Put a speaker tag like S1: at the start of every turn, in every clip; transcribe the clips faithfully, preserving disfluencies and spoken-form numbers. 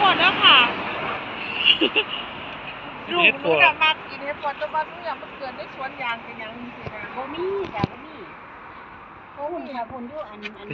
S1: ษแล้วค่ะลูกหนูจะมากินเห็ดปวดจะมาหนูอยากมาเกิดในสวนยางกันยังสินะ
S2: บ่มีจ้ะบ่มีโอ้หุ่นค่ะหุ่นอยู่อันอัน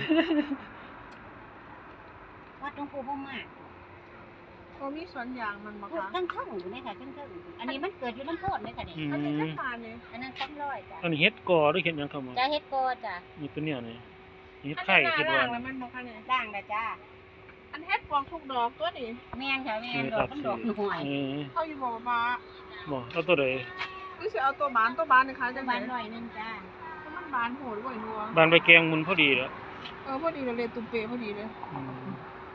S2: วัดหลวงปู่พ่อมาก
S1: เขามีสวนยางมันบ่คะ
S2: ทั้งทั้งอยู่นี่ค่ะทั้งทั้งอันนี้มันเกิดอยู่น้ำโทษเลยค่ะนี่
S1: อันนี้จะผ่านเนี่ย
S2: อันนั้นซ้ำร้อยจ้ะ
S3: อันนี้เฮ็ดกอหรือเฮ็ดหยังครับหมอ
S2: จ้ะเฮ็ดโกจ้ะ
S3: นี่เป็นเนี่ยนี่เฮ็ด
S1: อัน
S3: ไข่
S1: นี้
S3: เฮ็ด
S1: หน้า
S3: หวา
S1: ล่าง
S3: น
S1: แล้วมันบ่คะเนี่ย
S2: ด่างนะจ้ะ
S1: อันเฮ็ดปวงทุกดอกตัวนี้
S2: แม่นค่ะแม่นดอกมันดอกหน่วย
S3: เออ
S1: เขาอยู่บ่มา
S3: บ่เอาตัวใด
S1: คือสิเอาตัวบานตัวบานนี่ค่ะจังได๋
S2: บานหน่อยนึงจ้ะ
S1: มันบานโหดรวยนัว
S3: บานใบแกงมุนพอดีแล้ว
S1: เออพอดีเลยตุ้มเปพอดีเลย
S3: อืม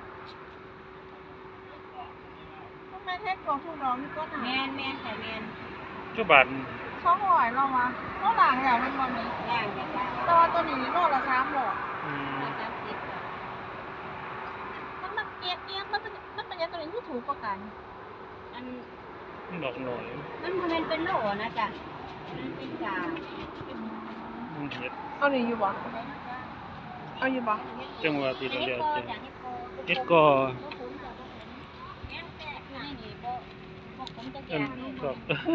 S1: ทำไมเฮ็ดปวงทุกดอกนี่ก็หนา
S2: แม่นแม่นค่ะแม่น
S3: เจ้าบาน
S1: สองร้อยเรามาโลหลังแล้วมันบ่มี
S2: ด่างจ้ะจ้ะ
S1: แต่ว่าตัวนี้โลละสามร้อย
S3: อืม
S2: ร้อยสามสิบจ้ะ
S1: มันมันเอียงเอียงมันเป็นมันเป็นยังตัวนี้ที่ถูกกว่ากัน
S2: อัน
S3: ดอกหน่อย
S2: มันบ่แม่นเป็นโลนะจ้ะมันเป็นกา
S3: มันเฮ็ด
S1: เอานี่อยู่บ่เอาอยู่บ่
S3: จังหวะที่เรา
S2: เฮ็
S3: เรี
S2: ด
S3: ยก
S2: โก
S3: จัง
S2: จ้ะเฮ็ดโก
S3: เฮ็ดกอ
S2: แม่นแท้อยู่ในนี่บ่บ่ผมจะแก
S3: อัน
S2: ง
S3: ครับ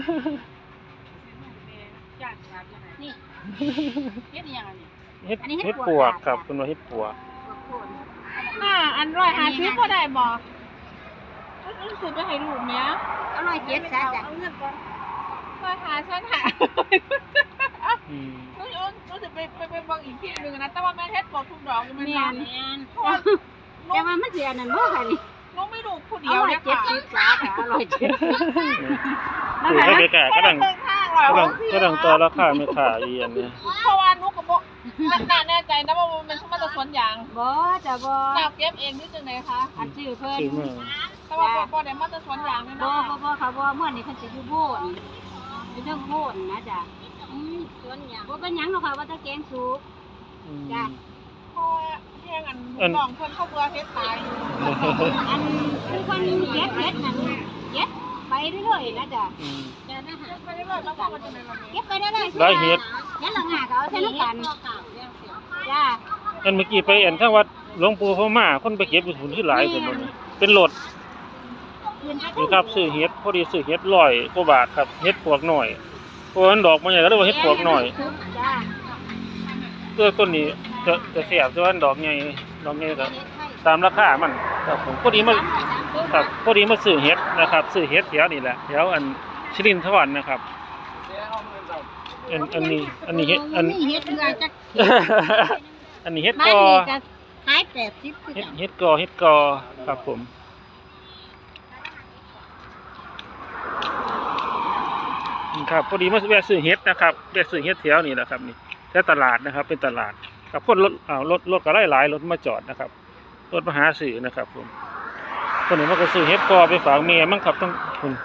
S2: นี่เฮ็ดยังไงนี่
S3: เฮ็ด
S2: อันนี้เฮ็
S3: เฮ็
S2: ด
S3: ด
S2: ป
S3: ป
S2: ว
S3: ว
S2: ก
S3: กครับคุณว่าเฮ็ดปวก
S1: อ่าอันร้อยหาซื้อก็ได้บ่รู้สึกไปให้ลูกเนี้ย
S2: อร่อยเจ็ดซะจ้ะ
S1: ร้อยหาฉันหา
S3: อืม
S1: รู้รู้สึกไปไปไปบางอีกที่หนึ่งนะแต่ว่าแม่เฮ็ดบอกทุกดอกมัน
S2: แม่
S1: นาน
S2: นแม่น
S1: เพราะว่า
S2: แต่ว่ามันสิอันนั้นบ่ค่ะนี่
S1: น้องไม่ดูผู้
S2: อ
S1: เดียว
S2: ร่อย
S1: เนี่ย
S2: เจ็ด
S1: ค่ะ
S2: สิบจ้ะค่ะอร่อยเจ็ดสิบ
S3: คือเขาไปกะกำลัง
S1: เดินทางเรา
S3: กำลังกำลังต่อราคาไม่ขาอีอันเนี้ย
S1: เพราะว่านุกกับโบน่าแน่ใจนะว่ามันมันจะสวนยาง
S2: บ่จ้ะบ่
S1: ดาวเก็บเองนี่จังไหนคะ
S2: อันชื่อเพิ่น
S3: ซื้อมา
S1: แต่ว่าบ่ได้มาจะสวนยางนี่
S2: บ่
S1: นะ
S2: บ่บ่ค่ะบ่เมื่อนี้เพิ่นสิอยู่โบนอยู่เรื่องโบนนะจ้ะอืมสวนหยังบ่เป็นหยังหรอกค่ะว่าแต่แกงสุก
S3: อืม
S2: จ้ะ
S1: เพราะว่าแย่งอันน้องเพิ่นเขาเบื่อเฮ็ดตาย
S2: อันคือคนเก็บเฮ็ดนั่นเก็บไปเรื่อยๆนะจ้ะ
S3: อืม
S2: จ้ะนะฮะ
S1: ไปเรื่อยๆแล้วก็มันจะเป็นแบบนี้
S2: เก็บไปเรื่อยๆ
S3: ได้เฮ็ด
S2: ยันหลังหาก็เอาใส่น้ำกันจ้ะ
S3: อันเมื่อกี้ไปอันข้างวัดหลวงปู่พม่าคนไปเก็บอยู่หุ่นที่หลายคนเลยเป็นรถนี่ครับซื้อเฮ็ดพอดีซื้อเฮ็ดร้อยกว่าบาทครับเฮ็ดปวกหน่อยเพราะฉะนั้นดอกมันใหญ่ก็เรียกว่าเฮ็ดปวกหน่อย
S2: จ้ะ
S3: ตัวต้นนี้จะจะเสียบแต่ว่าดอกใหญ่ดอกใหญ่ก็ตามราคามันครับผมพอดีมาครับพอดีมาซื้อเฮ็ดนะครับซื้อเฮ็ดแถวนี่แหละแถวอันชลินทวันนะครับอันอันนี้อันนี้เฮ็ดอัน
S2: เฮ็ดเรือจัก
S3: อันนี้เฮ็ด
S2: บ้าน
S3: กอ
S2: นี้ก็ขายแปดสิบคือ
S3: เฮ็ด
S2: กัน
S3: เฮ็ดกอเฮ็ดกอครับผมครับพอดีมาแวะซื้อเฮ็ดนะครับแวะซื้อเฮ็ดแถวนี่แหละครับนี่แถวตลาดนะครับ เป็นตลาดกับคนรถอ้าวรถรถก็หลายๆรถมาจอดนะครับรถมาหาซื้อนะครับผมคนนี้มันก็ซื้อเฮ็ดกอไปฝากเมียมั้งครับต้องคุณ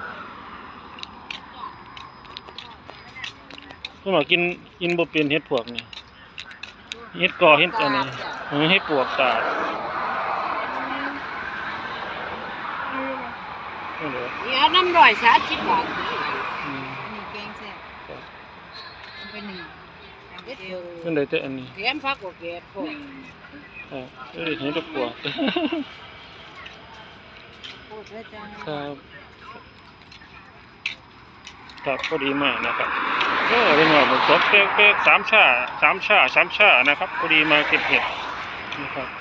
S3: คุณหมอกินกินบ่เป็นเฮ็ดพวกนี่เฮ็ดกอเฮ็ดอันนี้เออเฮ็ดปวกตาดนี่เด้อ
S2: เดี๋ยวน้ำร้อยสามสิบบาท
S3: อืม
S2: นี่แกงแซ่บมันเป็นหนึ่งเด็ด
S3: เพิ่นได้แต่อันนี้
S2: เลี้ยงพักกับเกล็ดพวก
S3: เออเอ้ยเห็นแต่ปวก
S2: พูดเลยจ้า
S3: ครับครับพอดีมากนะครับก็เป็นว่าผมตกแป๊กๆสามชาสามชาสามชานะครับพอดีมาเก็บเห็ดนะครับ